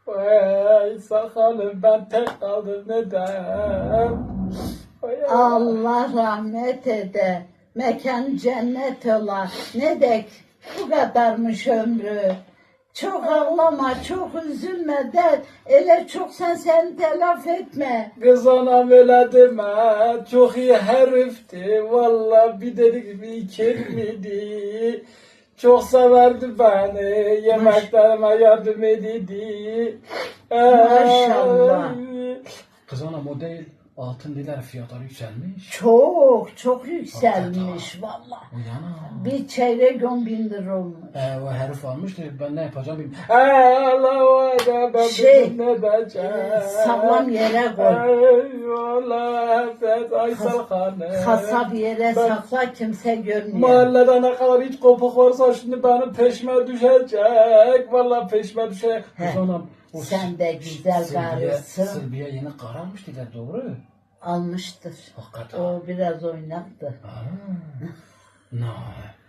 Vay sakalım ben tek kaldım neden? Vay Allah rahmet ede. Mekan cennet ola. Ne dek bu kadarmış ömrü. Çok ağlama, çok üzülme de. Ele çok sen telaf etme. Kız anam öyle deme, çok iyi herifti. Valla bir dedik bir ikilmidi. Çok severdi beni, yemeklerime yardım edildi. Maşallah. Kız anam o değil, altın diler fiyatları yükselmiş. Çok yükselmiş valla. O yana. Bir çeyrek 10.000 lira olmuş. O herif almıştı, ben ne yapacağım bilmiyorum. Allah var ben bildim ne diyeceğim. Sağlam yere koy. Eyvallah Afet Aysel Hanım. Kasap yere sakla kimse görmüyor. Mahallede ne kadar hiç kopuk varsa şimdi benim peşime düşecek. Vallahi peşime düşecek. Kız anam. Sen de güzel karısın. Sılbiye yeni kararmış dediler doğru. Almıştır. Hakikaten. O biraz oynaktı. Ne?